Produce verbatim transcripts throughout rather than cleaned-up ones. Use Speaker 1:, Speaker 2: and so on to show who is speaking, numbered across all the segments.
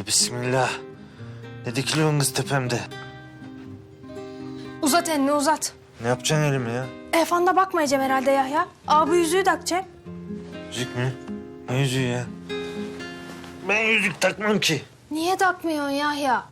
Speaker 1: Tövbe bismillah. Ne dikiliyorsun kız tepemde?
Speaker 2: Uzat elini uzat.
Speaker 1: Ne yapacaksın elimi ya?
Speaker 2: Efanda bakmayacağım herhalde Yahya. Abi yüzüğü takacağım.
Speaker 1: Yüzük mü? Ne yüzüğü ya? Ben yüzük takmam ki.
Speaker 2: Niye takmıyorsun Yahya?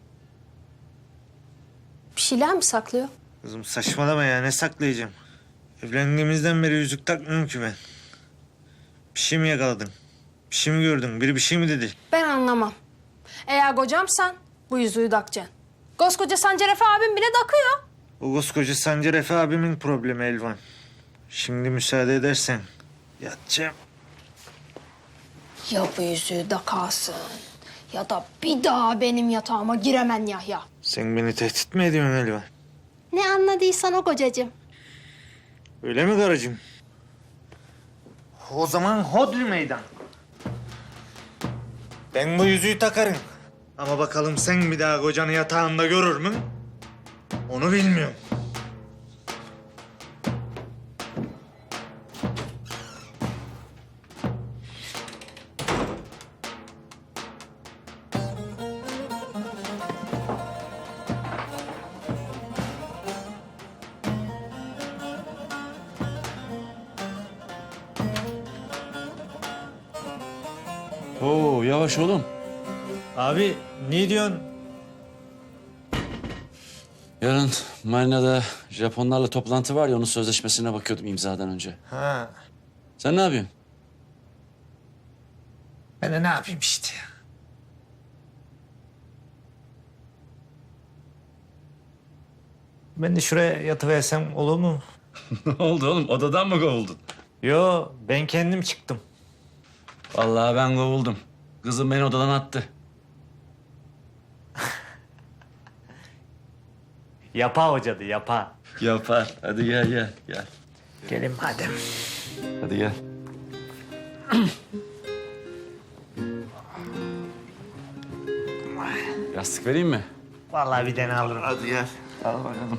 Speaker 2: Bir şeyler mi saklıyor?
Speaker 1: Kızım saçmalama ya, ne saklayacağım? Evlendiğimizden beri yüzük takmıyorum ki ben. Bir şey mi yakaladın? Bir şey mi gördün? Biri bir şey mi dedi?
Speaker 2: Ben anlamam. Eğer kocamsan bu yüzüğü takacaksın. Koskoca Sancar Efe abim bile takıyor.
Speaker 1: O koskoca Sancar Efe abimin problemi Elvan. Şimdi müsaade edersen yatacağım.
Speaker 2: Ya bu yüzüğü takarsın ya da bir daha benim yatağıma giremen Yahya.
Speaker 1: Sen beni tehdit mi ediyorsun Elvan?
Speaker 2: Ne anladıysan o kocacığım.
Speaker 1: Öyle mi karıcığım? O zaman hodri meydan. Ben bu yüzüğü takarım. Ama bakalım sen bir daha kocanı yatağında görür mü? Onu bilmiyorum.
Speaker 3: Oo yavaş oğlum.
Speaker 1: Abi ne diyorsun?
Speaker 3: Yarın marinada Japonlarla toplantı var ya, onun sözleşmesine bakıyordum imzadan önce.
Speaker 1: Ha,
Speaker 3: Sen ne yapıyorsun?
Speaker 1: ben de ne yapayım işte ya. Ben de şuraya yatıversem olur mu?
Speaker 3: Ne oldu oğlum? Odadan mı kovuldun?
Speaker 1: Yo, ben kendim çıktım.
Speaker 3: Vallahi ben kovuldum. Kızım beni odadan attı.
Speaker 1: Yapa hocadı, yapa.
Speaker 3: Yapar. Hadi gel gel gel.
Speaker 1: Gelin madem.
Speaker 3: Hadi gel. Yastık vereyim mi?
Speaker 1: Vallahi bir tane alırım.
Speaker 3: Hadi gel. Al bakalım.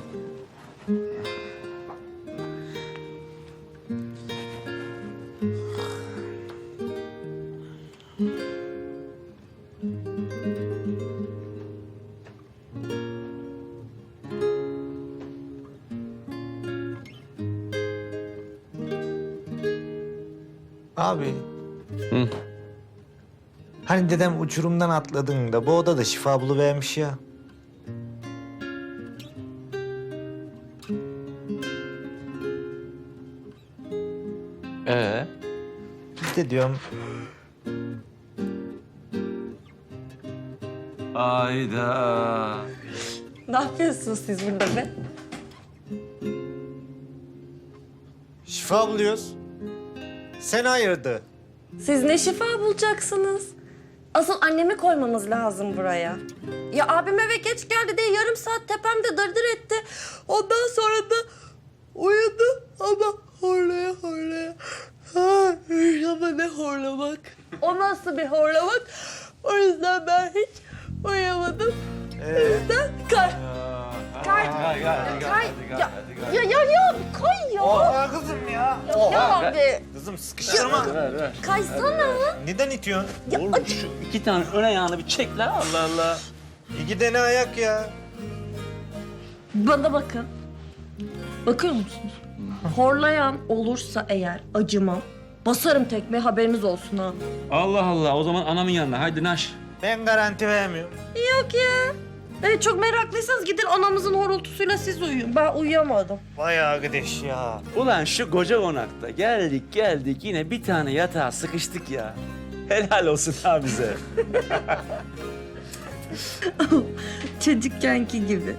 Speaker 1: Abi.
Speaker 3: Hı.
Speaker 1: Hani dedem uçurumdan atladığında bu odada şifa buluvermiş ya.
Speaker 3: Ee?
Speaker 1: Biz de diyorum
Speaker 3: Ayda.
Speaker 4: Ne yapıyorsunuz siz burada be?
Speaker 1: şifa buluyoruz. Sen hayırdı?
Speaker 4: Siz ne şifa bulacaksınız? Asıl annemi koymamız lazım buraya. Ya abim eve geç geldi diye yarım saat tepemde dırdır etti. Ondan sonra da uyudu ama horlaya horlaya. Ha, ama ne horlamak. O nasıl bir horlamak? O yüzden ben hiç uyuyamadım. O yüzden kay. Kay.
Speaker 3: Gel gel
Speaker 4: Kay. Ya, ya ya ya kay ya.
Speaker 1: Oha kızım ya.
Speaker 4: Ya abi
Speaker 1: Kızım sıkıştırma.
Speaker 3: Ver ver.
Speaker 4: kaysana.
Speaker 1: Neden itiyorsun?
Speaker 4: Ya
Speaker 3: Oğlum
Speaker 4: acı.
Speaker 3: şu iki tane ön ayağını bir çek la. Allah Allah.
Speaker 1: İki tane ayak ya.
Speaker 4: Bana bakın. Bakıyor musunuz? Horlayan olursa eğer acımam. Basarım tekme, haberiniz olsun ha.
Speaker 3: Allah Allah. O zaman anamın yanına. Haydi naş.
Speaker 1: Ben garanti vermiyorum.
Speaker 4: Yok ya. Evet, çok meraklıysanız gidin anamızın horultusuyla siz uyuyun. Ben uyuyamadım.
Speaker 1: Vay arkadaş ya.
Speaker 3: Ulan şu koca konakta geldik geldik yine bir tane yatağa sıkıştık ya. Helal olsun ha bize.
Speaker 4: Çocukkenki gibi.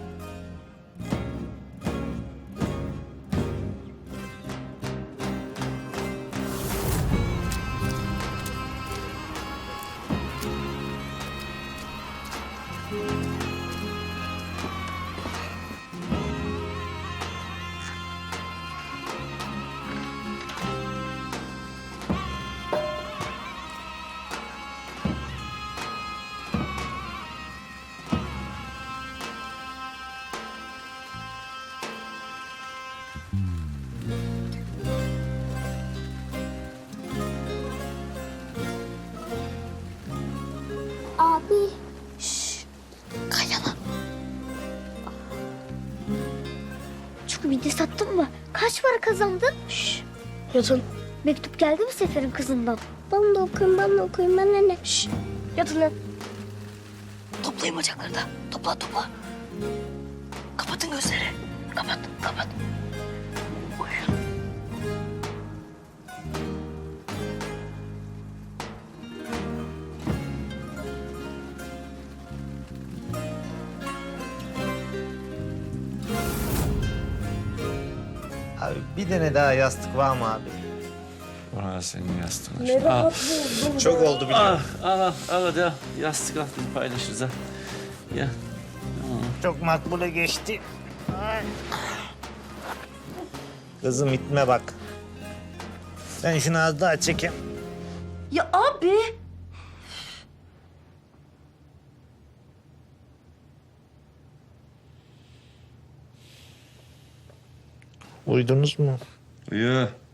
Speaker 5: Kaç para kazandın? Şşş. Yatın. Mektup geldi mi Sefer'in kızından? Ben de okuyayım, ben de okuyayım. Ben de ne? Şşş. Yatın lan.
Speaker 6: Toplayın bacakları da. Topla topla. Kapatın gözleri. Kapat kapat. Uyuyun.
Speaker 1: Abi bir tane daha yastık var mı abi?
Speaker 3: Orada senin yastığın.
Speaker 4: Ne
Speaker 3: Ah,
Speaker 4: rahat buldum.
Speaker 1: Çok oldu biliyorum.
Speaker 3: ah, ah, al hadi al. Yastık al biz paylaşırız ha. Ya.
Speaker 1: Çok makbule geçti. Ay. Kızım itme bak. Sen şunu az daha çekin.
Speaker 4: Ya abi.
Speaker 1: Uydunuz mu?
Speaker 3: Uyu.